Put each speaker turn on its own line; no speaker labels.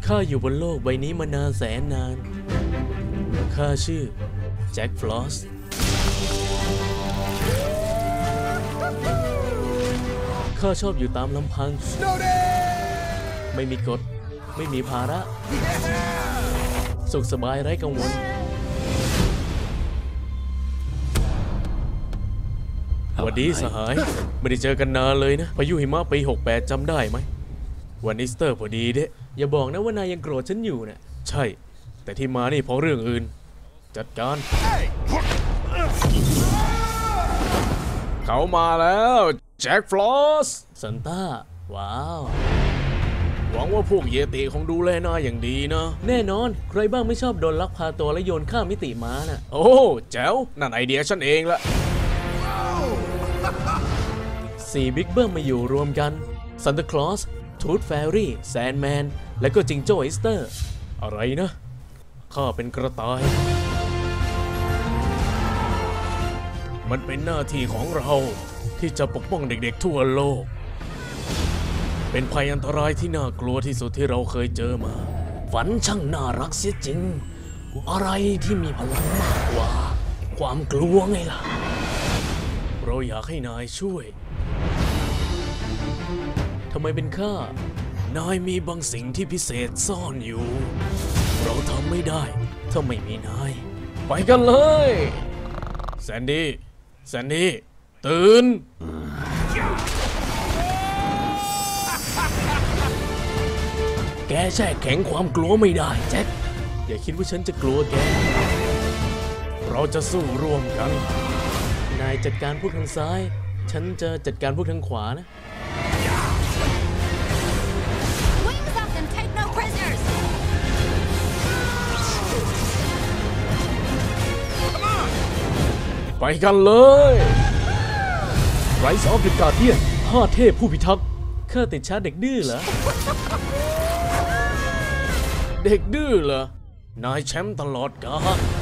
ข้าอยู่บนโลกใบนี้มานานแสนนาน ข้าชื่อแจ็คฟลอสข้าชอบอยู่ตามลำพังไม่มีกฎไม่มีภาระสุขสบายไร้กังวลสวัสดีสหายไม่ได้เจอกันนานเลยนะพายุหิมะปี68จำได้ไหมวันอีสเตอร์พอดีเด้อย่าบอกนะว่านายยังโกรธฉันอยู่นะใช่แต่ที่มานี่เพราะเรื่องอื่นจัดการเขามาแล้วแจ็คฟลอสซันต้าว้าวหวังว่าพวกเยติคงดูแลนายอย่างดีนะแน่นอนใครบ้างไม่ชอบโดนลักพาตัวและโยนข้ามมิติมาน่ะโอ้แจ๋วนั่นไอเดียฉันเองละ4บิ๊กเบิ้มมาอยู่รวมกันซันตาคลอสทูธแฟรี่แซนแมนและก็จิงโจ้อีสเตอร์อะไรนะข้าเป็นกระต่ายมันเป็นหน้าที่ของเราที่จะปกป้องเด็กๆทั่วโลกเป็นภัยอันตรายที่น่ากลัวที่สุดที่เราเคยเจอมาฝันช่างน่ารักเสียจริงอะไรที่มีพลังมากกว่าความกลัวไงล่ะเราอยากให้นายช่วยทำไมเป็นข้านายมีบางสิ่งที่พิเศษซ่อนอยู่เราทำไม่ได้ถ้าไม่มีนายไปกันเลยแซนดี้ตื่นแกแช่แข็งความกลัวไม่ได้แจ็คอย่าคิดว่าฉันจะกลัวแกเราจะสู้ร่วมกันนายจัดการพวกทางซ้ายฉันจะจัดการพวกทางขวานะไปกันเลยไรซ์ออฟเดอะการ์เดียน5เทพผู้พิทักษ์ข้าติดชาร์จเด็กดื้อเหรอเด็กดื้อเหรอนายแชมป์ตลอดกาล